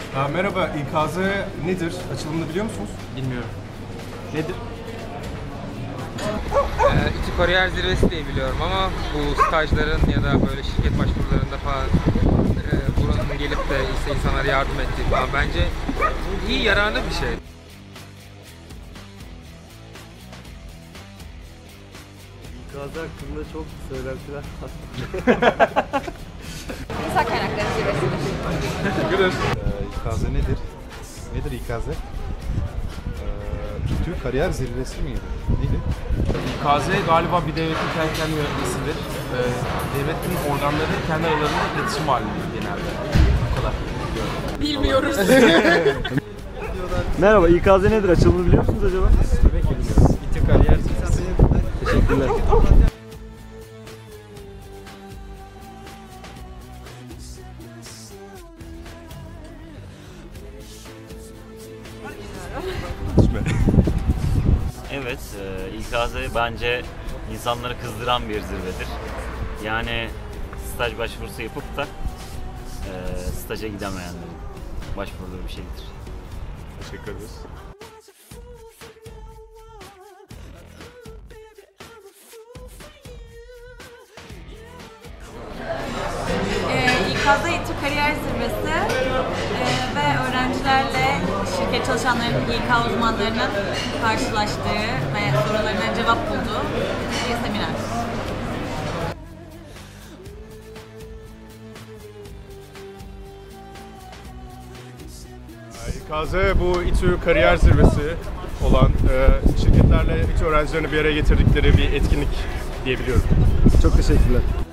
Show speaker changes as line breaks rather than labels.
Merhaba, İKZ nedir? Açılımını biliyor musunuz?
Bilmiyorum.
Nedir?
İTÜ Kariyer Zirvesi diye biliyorum ama bu stajların ya da böyle şirket başvurularında falan buranın gelip de işte insanlara yardım ettiği falan bence iyi, yararlı bir şey.
İKZ hakkında çok söylentiler var.
İnsan kaynakları zirvesidir.
Teşekkür
İKZ nedir? Nedir İKZ? İTÜ Kariyer Zirvesi miydi? Neydi?
İKZ galiba bir devletin kendi kendine yönetmesidir. Devletin organları kendi aralarında iletişim halindedir genelde. Bu kadar.
Bilmiyoruz.
Merhaba, İKZ nedir? Açılımını biliyor musunuz acaba?
Tabii ki biliyoruz. İTÜ Kariyer Zirvesi.
Teşekkürler.
Evet, İKZ bence insanları kızdıran bir zirvedir. Yani staj başvurusu yapıp da staja gidemeyenlerin başvurduğu bir şeydir.
Teşekkür ederiz.
İKZ İTÜ Kariyer Zirvesi ve öğrencilerle şirket çalışanlarının, İK uzmanlarının karşılaştığı ve sorularına cevap bulduğu bir seminer.
İKZ bu İTÜ Kariyer Zirvesi olan şirketlerle İTÜ öğrencilerini bir araya getirdikleri bir etkinlik diyebiliyorum.
Çok teşekkürler.